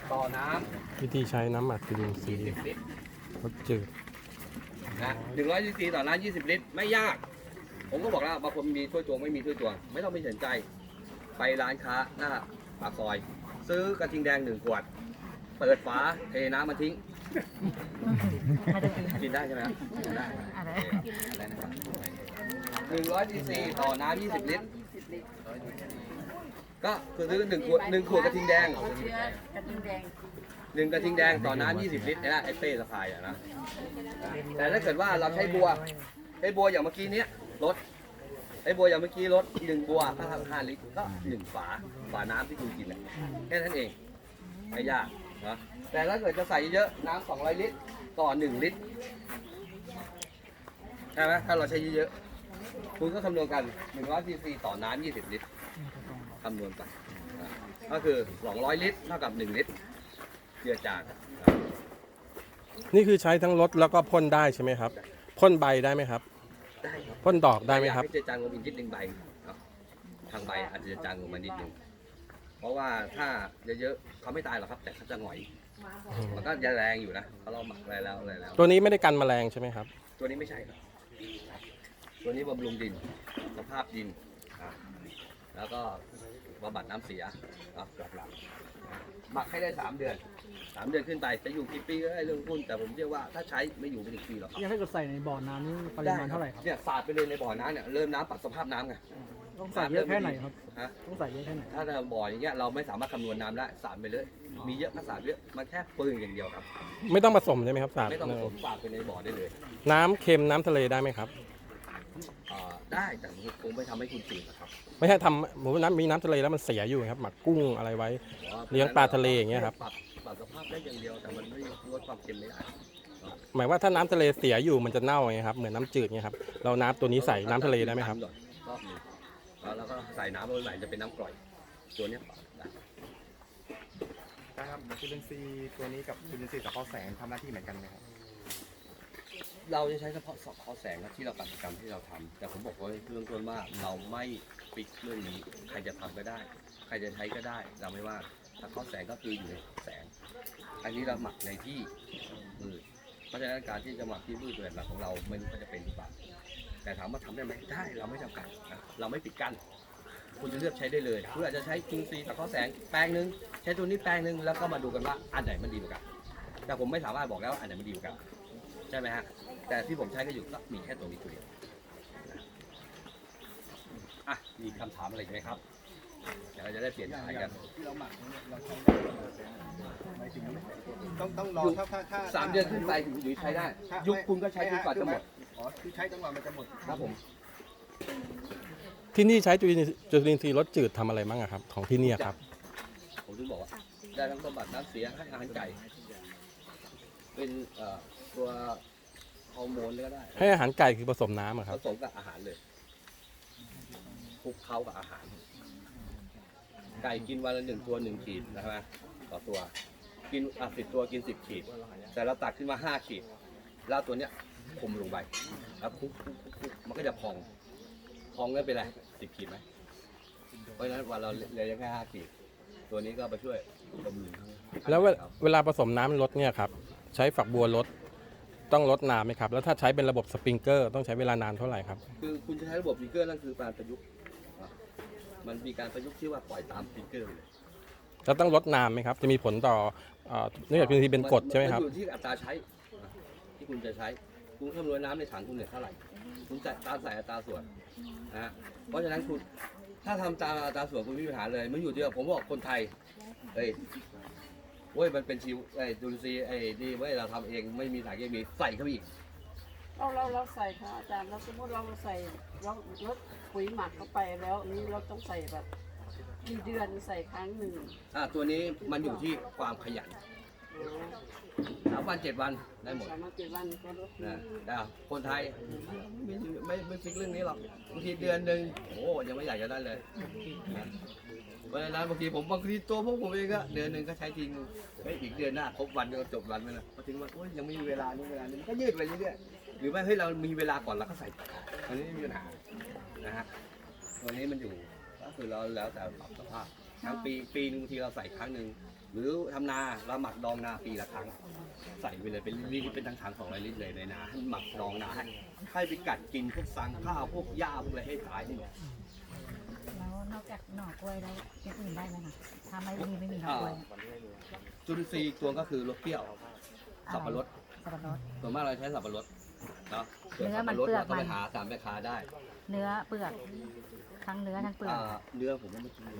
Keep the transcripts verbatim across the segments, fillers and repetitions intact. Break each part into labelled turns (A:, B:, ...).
A: ต่อน้ำ
B: วิธีใช้น้ำหมักจุลินทรีย์
A: ยี่สิบลิตร
B: รสจืด
A: นะหนึ่งร้อยซีซีต่อน้ำยี่สิบลิตรไม่ยากผมก็บอกแล้วบางคนมีถ้วยตวงไม่มีถ้วยตวงไม่ต้องไปสนใจไปร้านค้าหน้าปากซอย ซื้อกระทิงแดงหนึ่งขวดเปิดฝาเทน้ำมาทิ้งกินได้ใช่ไหมครับกินได้อะไรนะครับหนึ่งร้อยซีซีต่อน้ำยี่สิบลิตรก็คือซื้อหนึ่งขวดหนึ่งขวดกระทิงแดง
C: กระทิงแดง
A: หนึ่งกระทิงแดงต่อน้ำยี่สิบลิตรเนี่ยนะไอ้เป้สะพายอะนะแต่ถ้าเกิดว่าเราใช้บัวไอ้บัวอย่างเมื่อกี้เนี้ยลดไอ้บัวอย่างเมื่อกี้ลดหนึ่งบัวถ้าทำห้าลิตรก็หนึ่งฝาฝาน้ำที่คุณกินแค่นั้นเองไม่ยากนะแต่ถ้าเกิดจะใส่เยอะน้ำสองร้อยลิตรต่อหนึ่งลิตรใช่ไหมถ้าเราใช้เยอะๆคุณก็คำนวณกันหนึ่งร้อยซีซีต่อน้ำยี่สิบลิตรคำนวณกันก็คือสองร้อยลิตรเท่ากับหนึ่งลิตรเจือจาง
B: นี่คือใช้ทั้งรสแล้วก็พ่นได้ใช่ไหมครับพ่นใบได้ไหมครับ
A: ได้ครับ
B: พ่นดอกได้ไหมครับ
A: อยากให้เจือจางลงอีกนิดนึงใบครับทางใบอาจจะจางลงมานิดนึงเพราะว่าถ้าเยอะๆเขาไม่ตายหรอกครับ แต่เขาจะหงอยมันก็ยังแรงอยู่นะเขาเราหมักอะไรแล้วอะไรแล้ว
B: ตัวนี้ไม่ได้กันแมลงใช่ไหมครับ
A: ตัวนี้ไม่ใช่ครับตัวนี้บำรุงดินสภาพดินอ่ะแล้วก็บำบัดน้ำเสียครับหลักๆหมักให้ได้สามเดือนสามเดือนขึ้นไปจะอยู่กี่ปีก็ได้เรื่องหุ้นแต่ผมเชื่อว่าถ้าใช้ไม่อยู่ไม่ถึงปีหรอกครับ
D: ยังถ้าเกิดใส่ในบ่อน้ำนี่ปริมาณเท่าไหร่ครับ
A: เนี่ยสาดไปเลยในบ่อน้ำเนี่ยเริ่มน้ำปรับสภาพน้ำไง
D: ต้องใส่เยอะแค่ไหนครับ
A: ฮะ
D: ต้องใส่เยอะแค่ไหน
A: ถ้าในบ่ออย่างเงี้ยเราไม่สามารถคำนวณน้ำได้สาดไปเลย มีเยอะก็สาดเยอะมันแค่ปืนอย่างเดียวครับ
B: ไม่ต้องผสมใช่ไหมครับสาร
A: ไม่ต้องผสมสาดไปในบ่อได้เลย
B: น้ำเค็มน้ำทะเลได้ไหมครับ
A: เอ่อได้แต่คงไม่ทำให้คุณจืดนะครับ
B: ไม่ใช่ทำผมว่าน้ำมีน้ำทะเลแล้วมันเสียอยู่ครับหมักกุ้งอะไรไว้ เลี้ยงปลาทะเลอย่างเงี้ยครับ
A: ปรับปรับสภาพได้อย่างเดียวแต่มันไม่ลดความเค็มไม่ได้
B: หมายว่าถ้าน้ำทะเลเสียอยู่มันจะเน่าไงครับเหมือนน้ำจืดไงครับเราน้ำตัวนี้ใส่น้ำทะเลได้ไหมครับ
A: รอบหนึงแล้วเราก็ใส่น้ำลงไปจะเป็นน้ำกร่อยตัวเนี้ยปรับได้
E: นะครับจุลินทรีย์ตัวนี้กับจุลินทรีย์สังเคราะห์แสงทำหน้าที่เหมือนกันไหมครับ
A: เราจะใช้เฉพาะสอบข้อแสงนะที่เรากิจกรรมที่เราทำแต่ผมบอกไว้เรื่องต้นว่าเราไม่ปิดเรื่องนี้ใครจะทำก็ได้ ใครจะใช้ก็ได้เราไม่ว่าแต่ข้อแสงก็คืออยู่ในแสง อันนี้เราหมักในที่มืดเพราะฉะนั้นการที่จะหมักที่มืดเป็นหลักของเราไม่รู้ว่าจะเป็นหรือเปล่าแต่ถามว่าทำได้ไหมได้เราไม่จำกัดนะเราไม่ปิดกั้นคุณจะเลือกใช้ได้เลยคุณอาจจะใช้จุลินทรีย์แต่ข้อแสงแปลงหนึ่งใช้ตัวนี้แปลงหนึ่งแล้วก็มาดูกันว่าอันไหนมันดีกว่ากันแต่ผมไม่สามารถบอกแล้วว่าอันไหนมันดีกว่ากันใช่ไหมฮะแต่ที่ผมใช้ก็อยู่ก็มีแค่ตัวนี้ตัวเดียวนะอ่ะมีคำถามอะไรอีกไหมครับเดี๋ยวเราจะได้เปลี่ยนสายกัน
E: ต้องต้องรอถ้าถ้าถ้า
A: สามเดือนขึ้นไปถึงใช้ได้ ยุคคุณก็ใช้จนกว่าจะหมด
E: อ๋อคือใช้จังหวะมันจะหมด
A: ครับผม
B: ที่นี่ใช้จุลินจุลินทรีย์รสจืดทำอะไรบ้างอะครับของที่นี่ครับ
A: ผมถึงบอกว่าได้ทั้งบำบัดน้ำเสียให้อาหารไก่เป็นเอ่อตัวฮอร์โมนก็ได้
B: ให้อาหารไก่คือผสมน้ำอะค
A: ผ
B: รับ
A: สมกับอาหารเลยคลุกเคล้ากับอาหาร ไก่กินวันละหนึ่งตัวหนึ่งขีดนะครับต่อตัว กินอ่ะสิบตัวกินสิบขีด แต่เราตักขึ้นมาห้าขีด แล้วตัวเนี้ยคลุมลงไปแล้วคลุกคลุกคลุกคลุกมันก็จะพอง พองแล้วเป็นไรสิบขีดไหมเพราะฉะนั้นวันเราเหลือแค่ห้าขีด ตัวนี้ก็ไปช่วยบำรุง
B: แล้วเวลาเวลาผสมน้ำลดเนี่ยครับใช้ฝักบัวลดต้องลดน้ำไหมครับแล้วถ้าใช้เป็นระบบสปริงเกอร์ต้องใช้เวลานานเท่าไหร่ครับ
A: คือคุณจะใช้ระบบสปริงเกอร์นั่นคือการประยุกต์อ่ะมันมีการประยุกต์ที่ว่าปล่อยตามสปริงเกอร์เลย
B: แล้วต้องลดน้ำไหมครับจะมีผลต่อเอ่อเนื่องจากจุลินทรีย์เป็นกรดใช่ไหมครับ
A: นอยู่ที่อัตราใช้อ่ะที่คุณจะใช้คุณคำนวณน้ำในถังคุณเนี่ยเท่าไหร่คุณใส่ตามใส่อัตราส่วนนะฮะเพราะฉะนั้นคุณถ้าทำตามอัตราส่วนคุณไม่มีปัญหาเลยมันอยู่ที่ว่าผมบอกคนไทยเฮ้ยเว้ยมันเป็นชีวไอ้จุลินทรีย์ไอ้นี่เว้ยเราทำเองไม่มีสารเคมีใส่เข้าไปอีก
C: เราเราเราใส่ค่ะอาจารย์เราสมมติเราใส่เราลดปุ๋ยหมักเข้าไปแล้วอันนี้เราต้องใส่แบบกี่เดือนใส่ครั้งหนึ่ง
A: อ่ะตัวนี้มันอยู่ที่ความขยันสามวันเจ็ดวันได้หมด
C: สามารถเจ็ดวันก็ลด
A: นะแต่คนไทยไม่ไม่ไม่ฟิกเรื่องนี้หรอกบางทีเดือนหนึ่งโอ้ยังไม่อยากจะได้เลยนะเพราะฉะนั้นบางทีผมบางทีตัวพวกผมเองก็เดือนหนึ่งก็ใช้ทีนึงเฮ้ยอีกเดือนหน้าครบวันก็จบวันไปแล้วพอถึงวันโอ้ยยังไม่มีเวลานี่เวลานี้มันก็ยืดไปเรื่อยๆหรือไม่เฮ้ยเรามีเวลาก่อนเราก็ใส่อันนี้ไม่มีปัญหานะฮะตัวนี้มันอยู่ก็คือเราแล้วแต่ปรับสภาพทั้งปีปีหนึงบางทีเราใส่ครั้งหนึ่งหรือทำนาเราหมักดองนาปีละครั้งใส่ไปเลยเป็นลิตรเป็นทั้งถังสองร้อยลิตรเลยในนาให้หมักดองนาให้ให้ไปกัดกินพวกสังข้าวพวกหญ้าพวกอะไรให้ตายให้หมด
F: แล้วนอกจากหน่อกล้วยแล้วอย่างอื่นได้ไหมคะถ้าไม่มีไม่มีหน่อกล้วย
A: จุลินทรีย์ตัวก็คือรสเปรี้ยวสับปะรด
F: สับปะรด
A: ส่วนมากเราใช้สับปะรดเนาะ
F: เนื้อมัน
A: สับปะรด
F: เปลือก
A: เราก็ไป
F: มัน
A: หาตามแม่ค้าได้
F: เนื้อเปลือกทั้งเนื้อทั้งเปลือก
A: อ่าเนื้อผมก็ไม่กินเลย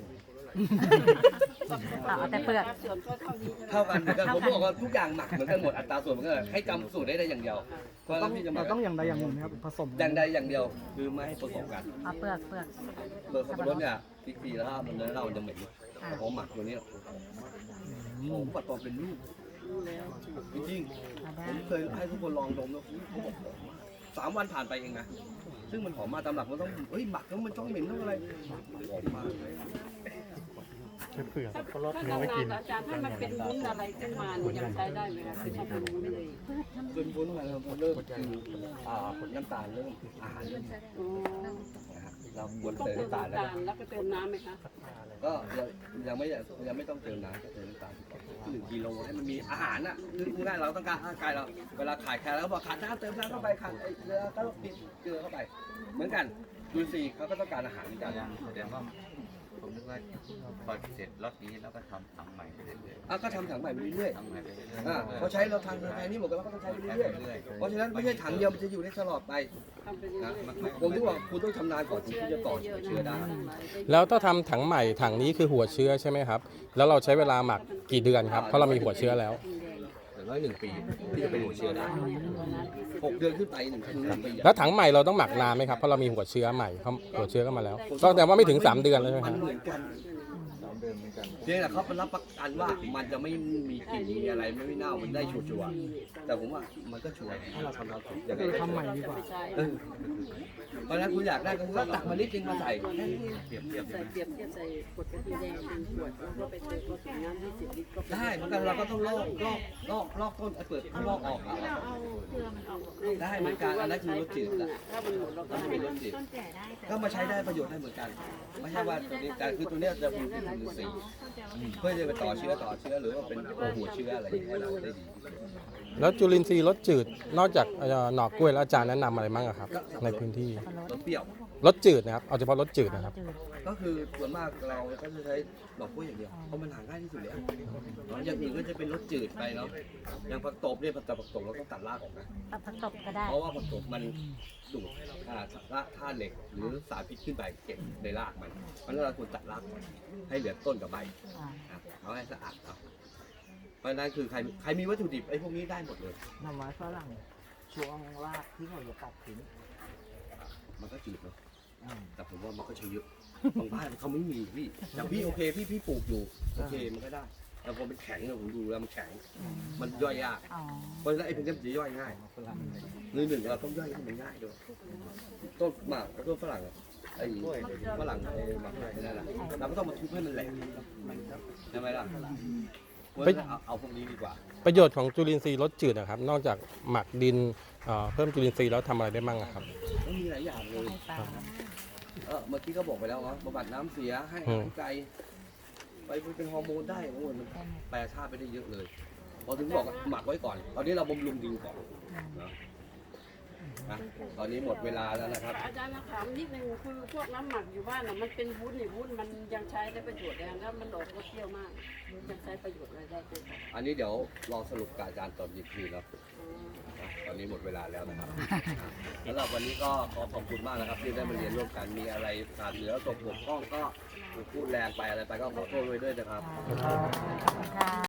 F: เอาแต่เปลือก
C: ส่วนก็เท่านี้ใช่ไหม
A: เท่ากันเหมือนกันผมบอกว่าทุกอย่างหมักเหมือนกันหมดอัตราส่วนเหมือนกันให้จำสูตรได้ได้อย่างเดียวเพราะฉะ
D: ต้
A: นั้
D: อง
A: นพี่จะหมั
D: เรา
A: ก
D: ต้องอย่างใดอย่างหนึ่งไหมครับผสม
A: อย่างใดอย่างเดียวคือไม่ให้ผสมกัน
F: เอาเปลือกเปลือก
A: เบอร์สับปะรดเนี่ยปีๆแล้วมันเนื้อเราจะเหม็นแต่ผมหมักตัวนี้ผมปัดตอนเป็นลูก
C: รู้แล้ว
A: จริง
F: เอา
A: ๆ
F: ได้
A: ผมเคยให้ทุกคนลองดมแล้วเขาบอกหอมมากสามวันผ่านไปเองนะซึ่งมันหอมมาตามหลักมันต้องเฮ้ยหมักแล้วมันต้องเหม็นต้องอะไรหอมมากเลย
B: เปลือก
C: ถ้าถ้านานๆอาจารย์ถ้ามันเป็นวุ้นอะไรขึ้นมาเนี่ยยังใช้ได้ไหมคะคือถ้าเป็นวุ้นเลย
A: เป็นวุ้นมาแล้วพอเริ่มกินอ่าน้ำตาลเริ่มอาหารเริ่ม
C: อ๋อ
A: นะครับเราควร
C: ต้อง
A: เติม
C: เติม
A: น้ำตาลแล้ว
C: น้ำตาลแล้วก็เติมน้ำไหมคะ
A: ก็ยังยังไม่ยังไม่ต้องเติมน้ำก็เติมน้ำตาลก่อนหนึ่งกิโลให้มันมีอาหารน่ะคือง่ายๆเราต้องการร่างกายเราเวลาขายแคลแล้วบอกขาดน้ำเติมน้ำเข้าไปขาดไอ้เกลือก็ปิดเกลือเข้าไป เหมือนกันดูสิเขาก็ต้องการอาหารเหมือนกัน
G: แสดงว่าผมนึกว่าพอเสร็จรถนี้แล้วก็ทำทำใหม่ไปเรื่อย
A: อ่ะก็ทำถังใหม่ไปเรื่อย
G: ๆทำใหม่ไปเรื่อย
A: ๆอ่าเขาใช้เราทางไทยนี่หมดกันแล้วก็ต้องใช้ไปเรื่อยๆเพราะฉะนั้นไม่ใช่ถังเดียวมันจะอยู่ได้ตลอดไป
C: ทำไปเรื่
A: นะ
C: อยๆ
A: ผมถึงบอกคุณต้องชำนาญก่อนถึงที่จะต่อเชื้อได้
B: แล้วถ้าทำถังใหม่ถังนี้คือหัวเชื้อใช่ไหมครับ แล้วเราใช้เวลาหมักกี่เดือนครับเพราะเรามีหัวเชื้อแล้ว
A: อย่างน้อยหนึ่งปีที่จะเป็นหัวเชื้อได้หกเดือนขึ้นไปหนึ่งหนึ่งปีอะ
B: แล้วถังใหม่เราต้องหมักนานไหมครับเพราะเรามีหัวเชื้อใหม่เขาหัวเชื้อเข้ามาแล้วก็แสดงว่าไม่ถึงสามเดือนเลยใช่ไหม
A: มั
B: คน รับ
A: เหมือนกันเพียงแต่เขาเป็นรับประกันว่ามันจะไม่มีกลิ่นมีอะไรไม่เน่ามันได้ชัวร์ๆแต่ผมว่ามันก็ชัวร์ถ้าเราทำเราถูกยังไง
D: คือ
A: ก็
D: ทำใหม่ดีกว่า
A: เออเพราะฉะนั้นคุณอยากได้ก็คือว่าตักมานิดนึงมาใส่
C: เปรียบเทียบใส่เปรียบเทียบใส่ขวดกะทิแดงเป็นขวดแล้วก็ไปเติมผสมน้ำยี่สิบลิตรก็
A: ได้เหมือนกันเราก็ต้องลอกลอกลอกลอกต้นไอ้เปลือกลอกออกเอาได้เหมือนกันอันนั้นคือรสจืดอะ
C: ถ้ามันหมดเราก็
A: ถ้า
C: ให้
A: เป็นรสจืดก็มาใช้ได้ประโยชน์ได้เหมือนกันไม่ใช่ว่าตัวนี้แต่คือตัวเนี้ยจะมีวิตามินซีเพื่อจะไปต่อเชื้อต่อเชื้อหรือว่าเป็นตัวหัวเชื้ออะไรอย่างเงี้ยเราได้ดี
B: แล้วจุลินทรีย์รสจืดนอกจากเอ่อหน่อกล้วยแล้วอาจารย์แนะนำอะไรบ้างอะครับ ในพื้นที่
A: รสเปรี้ยว
B: รสจืดนะครับเอาเฉพาะรสจืดนะครับ
A: ก็คือส่วนมากเราก็จะใช้ดอกกล้วยอย่างเดียวเพราะมันหาง่ายที่สุดแล้วอย่างอื่นก็จะเป็นรสจืดไปเนาะอย่างผักตบเนี่ยผักตบผักตบเราต้องตัดรากออกนะ
F: เอาผักตบก็ได้
A: เพราะว่าผักตบมันดูดอ่าธาตุเหล็กหรือสารพิษขึ้นไปเก็บในรากมันเพราะฉะนั้นเราควรตัดรากก่อนให้เหลือต้นกับใบ
F: อ่า
A: อ่ะเอาให้สะอาดครับเพราะฉะนั้นคือใครใครมีวัตถุดิบไอ้พวกนี้ได้หมดเลย
H: หน่อไม้ฝรั่งช่วงรากที่เขาจะตัดทิ้ง
A: มันก็จืดเนาะแต่ผมว่ามันก็ใช้เยอะบางบ้านเขาไม่มีพี่อย่างพี่โอเคพี่พี่ปลูกอยู่โอเคมันก็ได้แต่พอเป็นแข็งเนี่ยผมดูแล้วมันแข็งมันย่อยยาก
F: อ๋อ
A: เพราะฉะนั้นไอ้พวกนี้มันจะย่อยง่ายหนึ่งหนึ่งเราต้องย่อยให้มันง่ายด้วยต้นหมากกับต้นฝรั่งอะไอ้ฝรั่งไอ้หมากไอ้นั่นแหละเราก็ต้องมาทุบให้มันแหลกใช่ไหมล่ะเพราะฉะนั้นเอาเอาพวกนี้ดีกว่า
B: ประโยชน์ของจุลินทรีย์รสจืดนะครับ นอกจากหมักดินเอ่อเพิ่มจุลินทรีย์แล้วทำอะไรได้บ้างอะครับ
A: มันมีหลายอย่างเลย
F: ให้ปลา
A: เออเมื่อกี้ก็บอกไปแล้วว่าบำบัดน้ำเสียให้อาหารไก่ไปเป็นฮอร์โมนได้โอ้ยมันแปรธาตุไปได้เยอะเลยพอถึงบอกว่าหมักไว้ก่อน ตอนนี้เราบำรุงดินก่อนนะนะตอนนี้หมดเวลาแล้วนะครับ
C: อาจารย์ถามนิดนึงคือพวกน้ำหมักอยู่บ้านน่ะมันเป็นวุ้นนี่วุ้นมันยังใช้ได้ประโยชน์ได้แล้วมันออกรสเปรี้ยวมากยังใช้ประโยชน์อะไรได้ไหมคะ
A: อันนี้เดี๋ยวรอสรุปกับอาจารย์ตอนอีกทีเนาะนะตอนนี้หมดเวลาแล้วนะครับสำหรับวันนี้ก็ขอขอบคุณมากนะครับที่ได้มาเรียนร่วมกันมีอะไรขาดเหลือตกบกพร่องก็พูดแรงไปอะไรไปก็ขอโทษไว้ด้วยนะครับ
F: ค่ะ